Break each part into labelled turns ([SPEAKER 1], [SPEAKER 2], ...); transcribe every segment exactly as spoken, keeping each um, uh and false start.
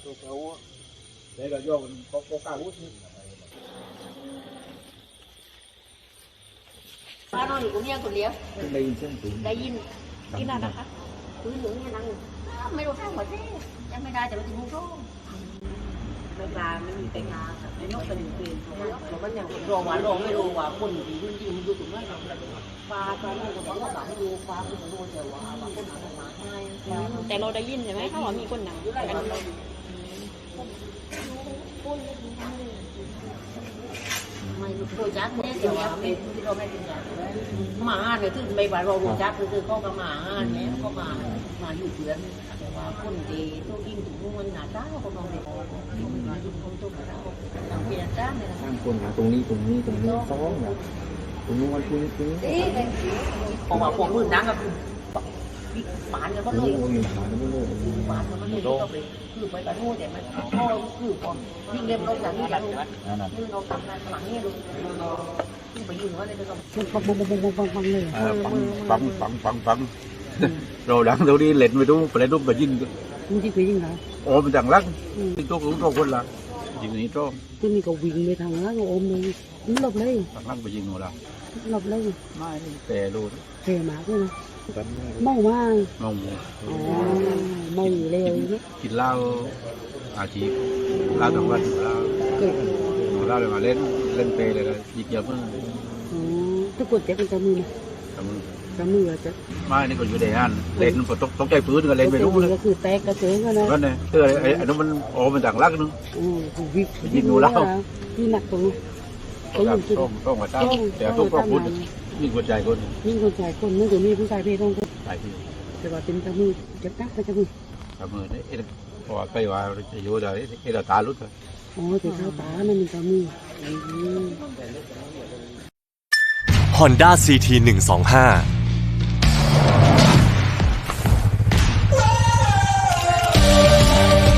[SPEAKER 1] ตัวเขาđể rồi vô mình có có cao hút
[SPEAKER 2] ป้าน้อยอยู่คนเดียวคนเดียว
[SPEAKER 1] đây xem tụi
[SPEAKER 2] ได้ยินกินอะไรนะคะคุยเหลืองยังนั่งไม่รู้ข้างหมดเลยยังไม่ได้แต่มันจะมุ่งโซ่ไม่กล้าไม่มีไปงานไม่ยกเป็นเปลี่ยนเพราะมันยังรอว่าลงไม่รู้ว่าคนที่ยืนยืนอยู่ตรงนั้นฟ้าฟ้าโลกคนต้องหลังดูฟ้าคนโลกแต่ว่าคนหนังมาให้แต่เราได้ยินใช่ไหมถ้าว่ามีคนหนังกันไม่รู้จักเนี่ยแต่ว่าเป็นที่เราไม่รู้จักมาเนี่ยคือไม่ว่าเรารู้จักคือเขาก็มาเนี่ยเขามามาอยู่เพื่อนแต่ว่าคนดีตัวยิ่งถึงมันหนาตาเขามองเด็กเขาไม่มาอยู่คนตัวหนาตาต่างเปลี่ยนจ้าเนี่ย
[SPEAKER 1] ข้างคนหาตรงนี้ตรงนี้ตรงนี้ซ้อนนะตรงนู้นตรงนี้ตรงนี้
[SPEAKER 2] เพราะว่าพวกมือนังก็คือปานกันก็เลย
[SPEAKER 1] มีหาไม่รู้เลย
[SPEAKER 2] ปานกันก็เลยต้องไปคือไปกันโน่แต่มันก็คือพอยิ่งเล่มเราอย่างนี้อย่างนี้คือเราทำงานหลังนี่ดูไปยืนว่าเลยก็ปังปังปังปังปังปังเลย
[SPEAKER 1] ปังปังปังปังrồi đằng đâu đi lên với đúng phải đúng phải dính
[SPEAKER 2] มึงที่คุยยังไง
[SPEAKER 1] ôm thằng lắcที่ตัวของตัวคนละยิงนี้ตัว
[SPEAKER 2] ตัวนี้ก็วิ่งไปทางนั้นก็อมเลยมันหลบเลย
[SPEAKER 1] thằng lắcไปยิงหนูละ
[SPEAKER 2] หลบเลย
[SPEAKER 1] ไม่แต่รู้
[SPEAKER 2] เทมาใช่ไหมเมามาก
[SPEAKER 1] งง
[SPEAKER 2] อ๋อเมาอยู่เร็วเนี่ย
[SPEAKER 1] กินเหล้าอาชีพเหล้าทั้งวันเหล้า
[SPEAKER 2] เกิด
[SPEAKER 1] เหล้าเลยมาเล่นเล่นเปย์เลยยิงเยอะมาก
[SPEAKER 2] อ๋อทุกคนจะเป็นจมือนะ
[SPEAKER 1] ทำมือ
[SPEAKER 2] จมือจะ
[SPEAKER 1] ไม่นี่ก็อยู่ในห้านเล่นฝนตกตกใจพื้นก็เล่นไปรู้เลย
[SPEAKER 2] ก็คือแตกกระเจิงกันนะ
[SPEAKER 1] ก็เนี่ยเออไอ้ไอ้นู้นมันโอ้มันต่างลักนึง
[SPEAKER 2] อือวิ่ง
[SPEAKER 1] ยิงหนูเหล้า
[SPEAKER 2] ที่หนักตรงนี้
[SPEAKER 1] ต้องต้องต้องมาตั้งแต่ต้องต้องพูดยิ่งกว่าใจคน
[SPEAKER 2] ยิ่งคนชายคนนึกถึงมีผู้ชายเพศต้อง
[SPEAKER 1] ตายที่
[SPEAKER 2] แต่ว่าเป็นจมือจะตักไปจมือ
[SPEAKER 1] ทำมือนี่พอไปว่าจะอยู่ได้ไอ้ตาลุด
[SPEAKER 2] อ๋อแต่เข้าตามันเป็นจมือ
[SPEAKER 3] Honda ซี ที หนึ่งสองห้า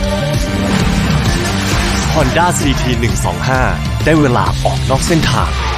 [SPEAKER 3] Honda ซี ที หนึ่งสองห้า ได้เวลาออกนอกเส้นทาง